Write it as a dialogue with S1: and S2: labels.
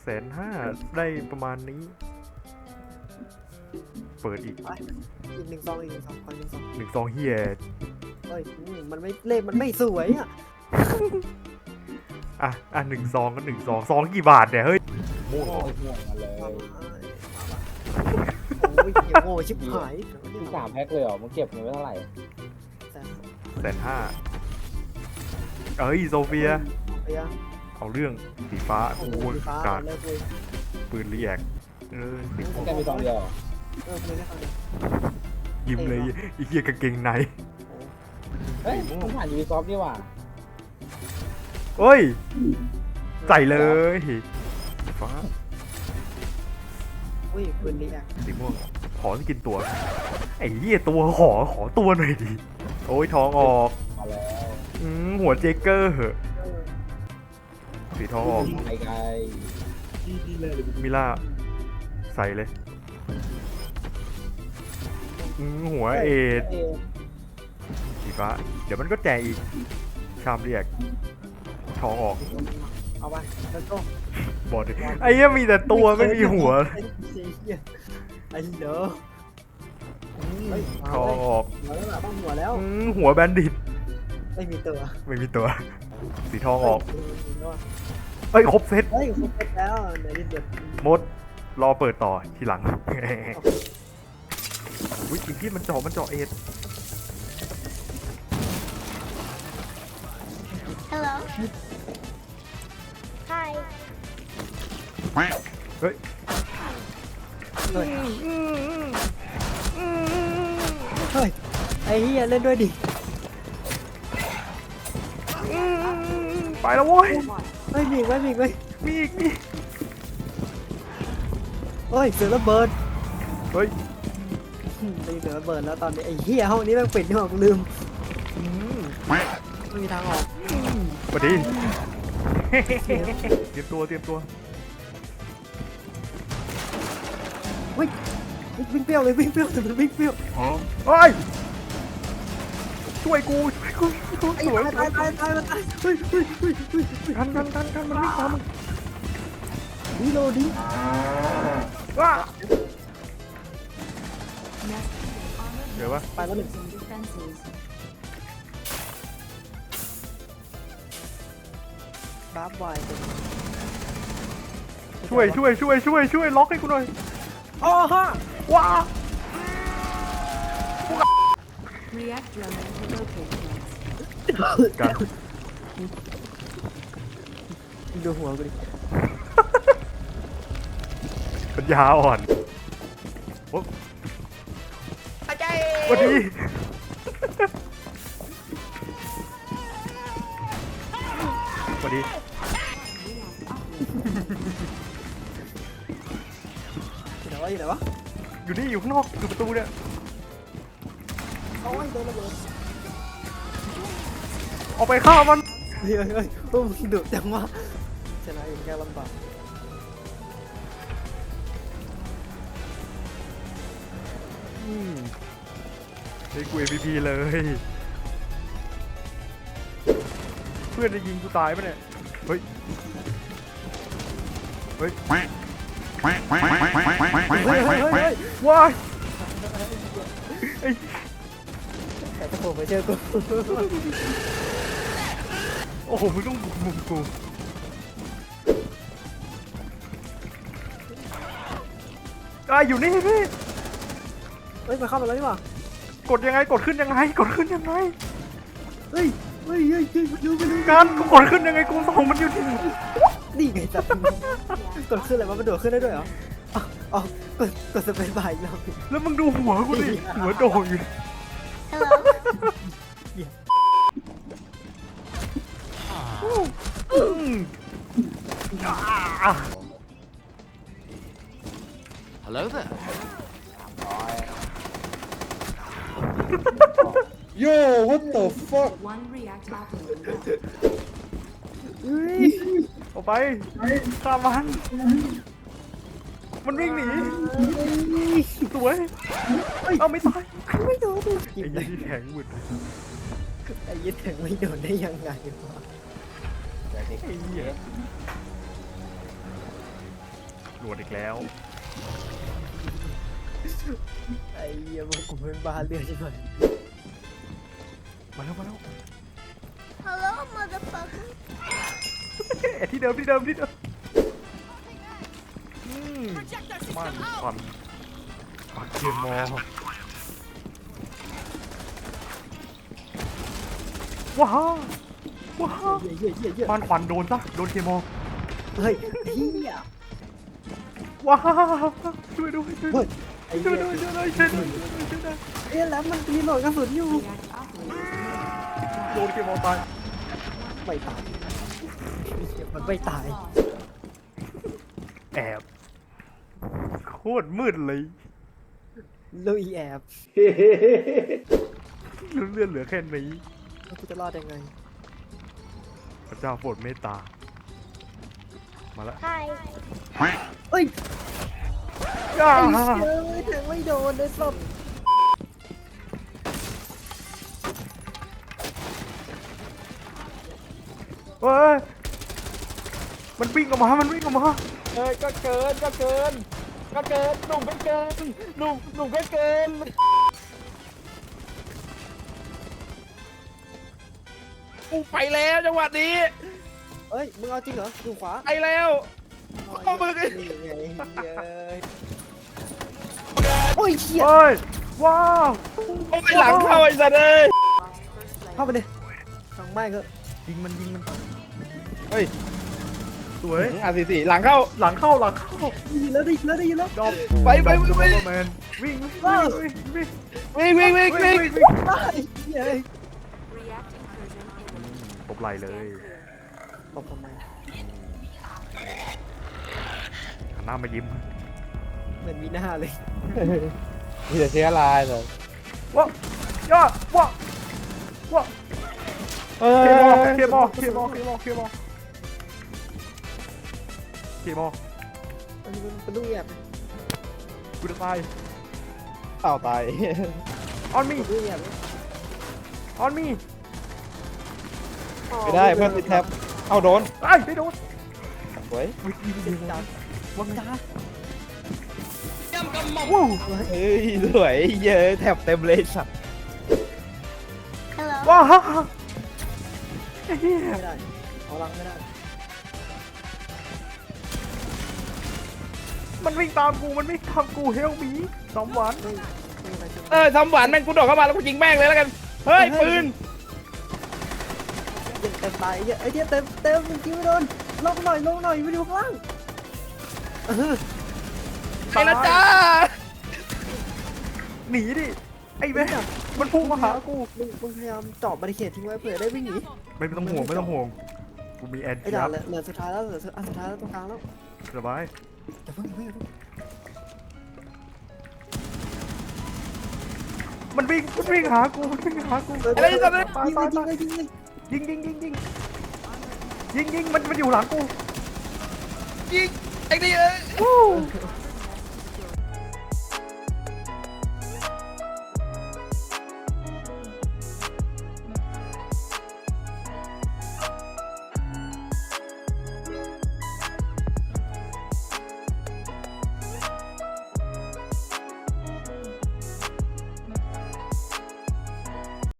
S1: 150,000ได้ประมาณนี้เปิดอีก
S2: อีก1 ซองอีก1 ซองคน1 ซอง
S1: 1 ซองเฮีย
S2: เฮ้ยมันไม่เลขมันไม่สวยอ่ะ
S1: 1 ซองก็1 ซองกี่บาทเนี่ยเฮ้ยโม่
S3: โอ้ยห่วงมาเลย
S2: โอ้ยเหี้ยโง่ชิบหาย
S3: ที่3 แพ็คเลยเหรอมึงเก็บเงินไว้เท่าไหร่
S1: 150,000เอ้ยโซเฟีย
S2: เฟีย
S1: เอาเรื่องสีฟ้า
S2: โอ้
S1: โอ้
S2: โห
S1: ย
S2: ฟ้าก
S1: าก
S2: เลิกเลย
S1: ปืนรีแอคสี
S3: แกมีซองเดียวเหรอ
S2: ไม่ได้ฟังเลย
S1: ยิ้มเลยอีเกียกางเกงใน
S3: เฮ้ยมึงผ่านยูบีซอฟนี่หว่า
S1: เฮ้ยใส่เลยสีฟ้า
S2: อุ้ยปืนรีแอค
S1: สีม่วงขอสกินตัวไอ้เหี้ยตัวขอตัวหน่อยดิโอ้ยท้องออก
S3: มาแล้ว
S1: หัวเจเกอร์เหอะสีทองออก
S3: ไกล
S1: มิล่าใส่เลยหัวเอ็ดสีฟ้าเดี๋ยวมันก็แจกอีกชามเรียกท้องออก
S2: เอาไปแล้วก็
S1: บอดไอ้เหี้ยมีแต่ตัวไม่มีหัว
S2: ไอ้เด้อ
S1: ท้องออก
S2: หัวแล้วต้องหัวแล้ว
S1: หัวแบนดิต
S2: ไม่มีตัว
S1: ไม่มีตัว สีทองออกเอ้ยครบเซต
S2: เฮ้ยครบแล้วเดี๋ยวเดี๋ยว
S1: มดรอเปิดต่อทีหลังอุ้ยจริงที่มันเจาะเอ็ด
S4: Hello. Hi.
S1: เฮ้ย
S2: เฮ้ยเฮ้ยไอ้เหี้ยเล่นด้วยดิ
S1: ไปแล้วโว้ย
S2: ไม่มีไม่มีไม่
S1: มีอีก
S2: เฮ้ยเสือระเบิด
S1: เฮ้ย
S2: ตีเสือระเบิดแล้วตอนนี้ไอ้เหี้ยห้องนี้แม่งปิดนี่หว่ากูลืมไม่มีทางออก
S1: สวัสดีเตรียมตัว
S2: วิ่งเปรี้ยวเลยวิ่งเปรี้ยวแต่มันวิ่งเปรี้ยว
S1: เฮ้ยช่วยกูสวย
S2: ตายมันตายเฮ้ย
S1: กันมันวิ่งตามมึง
S2: ดิโลดิ
S1: ว้าเดี๋ยววะ
S2: ไปแล้วหนึ่งดับไว
S1: ช่วยล็อกให้กูหน่อย
S2: อ๋อฮะ
S1: ว้า
S4: React drone located.
S1: กัน
S2: ดูหัวกูดิ
S1: ปัญญาอ่อนโอ้สวัสดีสวัสดี
S2: อยู่ไหนวะ
S1: อยู่นี่อยู่ข้างนอกอยู่ประตูเนี่ย
S2: โอ้ยโดนระเบิด
S1: ออกไปฆ่ามัน
S2: เฮ้ยพวกมึงดุจังวะชนะเองแค่ลำบาก
S1: ให้กู MVP เลย เพื่อนจะยิงกูตายปะเนี่ย เฮ้ยว้าย
S2: แต่ถ้าผมไปเจอกู
S1: โอ้โหมึงต้องบุกมุมกูอยู่นี่พี่
S2: เฮ้ยมาเข้ามาแล้วนี่หว่าก
S1: ดยังไงกดขึ้นยังไง
S2: เฮ้ยไปดู
S1: การกูกดขึ้นยังไงกูส่องมันอยู่ที่
S2: นี่ไงจับกดขึ้นอะไรวะมันโดดขึ้นได้ด้วยเหรออ๋อกดสเปซบาร์อีกรอบ
S1: แล้วมึงดูหัวกูดิหัวโดดอยู่
S4: Hello.
S5: Hello there.
S3: Yo what the fuck
S4: One react operator.
S1: ออกไปฆ่ามันวิ่งหนีสวยเอาไม่ตาย
S2: ไม่โดน
S1: ไอ้ยี่ที่แข็งหมุด
S2: ไอ้ยี่แทงไม่โดนได้ยังไงวะ
S1: ไอ้เหี้ยหลวดอีกแล้ว
S2: ไอ้เหี้ยมันกูเป็นบ้าเลือดใช่ไหม
S1: มาแล้วมาแล้ว
S4: Hello, motherfucker.
S1: ที่เดิมที่เดิมที่เดิมมันความปักเกมมอว้าวว้าว
S2: เหี้ยเหี้ยเหี้ย
S1: บ้านควันโดนซะโดนเคมอ
S2: เฮ้ยเหี้ย
S1: ว้าวช่วยด้วยช่วยด้วย
S2: ไอ้
S1: ช่วย
S2: เหี้ย
S1: ด้วยช่วยด้วยช่วยด้วยช่วยด้วย
S2: เอ๊ะแล้วมันมีโหลดกระสุนอยู่
S1: โดนเคมอตาย
S2: ไม่ตายมันไม่ตาย
S1: แอบโคตรมืดเลย
S2: ลุยแอบ
S1: เลือดเหลือแค่นี้
S2: แล้วกูจะรอดยังไง
S1: พระเจ้าโปรดเมตตามาแล้ว
S4: Hi.
S2: เอ้ย
S1: ย่า
S2: ไอ้เชี่ยแทงไม่โดนเลยสด
S1: เฮ้ยมันวิ่งออกมามันวิ่งออกมา
S3: เอ้ยก็เกินก็เกินก็เกินหนุ่มก็เกินหนุ่มก็เกินกูไปแล้วจังหวะนี้
S2: เอ้ยมึงเอาจริงเหรออยู่ขวา
S3: ไปแล้ว
S2: โอ้ยนี่ไงโอ้ยเชี่ย
S1: เฮ้ยว้าว
S3: โอ้ยหลังเข้าไอ้สัตว์เลย
S2: เข้าไปเลยสั่งไม่ก็
S1: ยิงมันยิงมัน
S3: เฮ้ย
S1: สวย
S3: R44หลังเข้า
S1: หลังเข้าหลังเข้า
S2: ได้ยินแล้วได้ยินแล้วได้ยินแล้ว
S1: ดอม
S3: ไป
S1: แมนวิ่งวิ่งวิ่งวิ่ง
S3: วิ่ง
S1: วิ่ง
S2: ไอ้เหี้ย
S4: React incursion imminent.
S1: ตบไหลเลย
S2: ตบทำไม
S1: หันหน้ามายิ้ม
S2: เหมือนมีหน้าเลย
S3: มีแต่เชื้อราเลย
S1: ว้าย่าว้าว้า
S3: เออ
S1: เคมอเคมอเคมอเคมอเคมอ
S2: อันนี้มันเป็นลูกแอบ
S1: กูจะตาย
S3: เต่าตาย
S1: ออนมี
S2: ลูกแอบ
S1: ออนมี
S3: ไม่ได้เพื่อนติดแท็บเอาโดน
S1: ไอ้ไม่โดน
S3: สวย
S1: วิ่งยิงยิง
S2: จับ
S1: วังจ้า
S2: วู้
S3: เฮ้ยสวยเยอะแท็บเต็มเลยสัตว์
S4: Hello.
S1: ว้าวไอ้เหี้ย
S2: ไม่ได้เอาลังไม่ได้
S1: มันวิ่งตามกูมันวิ่งตามกูเฮลมีสองหวาน
S2: ไม่อะไรจะ
S3: ทำหวานแม่งกูโดดเข้ามาแล้วกูยิงแม่งเลยแล้วกันเฮ้ยปืน
S2: เต็มตายไอ้เหี้ยเต็มเต็มจริงไม่โดนลงหน่อยไม่ดูข้างล่าง
S3: ไปแล้วจ้า
S1: หนีดิไอ้แม่มันพุ่งมาหากู
S2: มึงพยายามเจาะบาริเคดทิ้งไว้เผื่อได้วิ่งหนี
S1: ไม่ต้องห่วงไม่ต้องห่วงกูมีแอน
S2: ไอ้
S1: ตี้
S2: ด่า
S1: อั
S2: นเหลือสุดท้ายแล้วเหลือสุดท้ายแล้วตรงกลางแล้ว
S1: สบาย
S2: อย่าเพิ่ง
S1: มันวิ่งหากูมันวิ่งหากู
S3: อะไรสัตว์เลย
S1: ตายตายตาย
S2: ยิงเลย
S1: ยิงมันอยู่หลังกู
S3: ยิงไอ้นี่เอ้ย
S1: วู้